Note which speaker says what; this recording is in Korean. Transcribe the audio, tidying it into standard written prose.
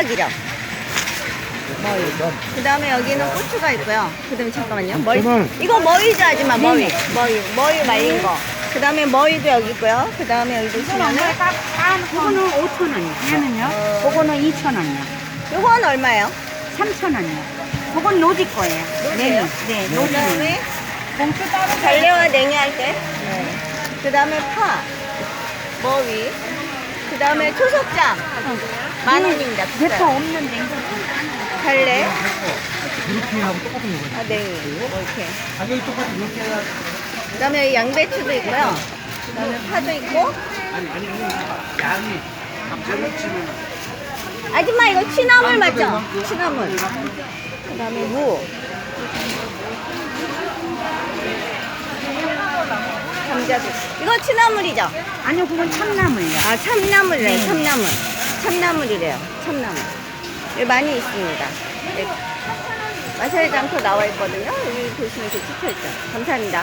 Speaker 1: 호박이죠. 머위. 그 다음에 여기는 고추가 있고요. 그 다음에 잠깐만요. 머위. 이거 머위죠, 아줌마. 머위. 머위 말린 거. 그 다음에 머위도 여기 있고요. 그 다음에 여기 보시면은.
Speaker 2: 그거는 5,000원이요. 얘는요? 그거는 2,000원이요.
Speaker 1: 요건 얼마예요?
Speaker 2: 3,000원이요. 그건 노지 거예요.
Speaker 1: 노지요?
Speaker 2: 네,
Speaker 1: 그
Speaker 2: 노지.
Speaker 1: 다음에
Speaker 2: 봉투 따로
Speaker 1: 달래와 냉이 할 때. 그 다음에 파. 머위. 그 다음에 초석장. 10,000원입니다.
Speaker 2: 대파 없는데.
Speaker 1: 달래.
Speaker 3: 이렇게 하고 똑같은 거거든요.
Speaker 1: 아, 냉이. 이렇게.
Speaker 3: 가격이 똑같이 이렇게 해야.
Speaker 1: 그 다음에 양배추도 있고요. 그 다음에 파도 있고.
Speaker 3: 양이 감자를 치면
Speaker 1: 아줌마 이거 취나물 맞죠? 취나물. 그 다음에 무. 감자도. 이거 취나물이죠?
Speaker 2: 아니요, 그건 참나물이요.
Speaker 1: 아, 참나물이래요.
Speaker 2: 네.
Speaker 1: 참나물. 참나물이래요. 참나물. 여기 많이 있습니다. 네. 마사지 장터 나와 있거든요. 여기 보시면 이렇게 찍혀있죠. 감사합니다.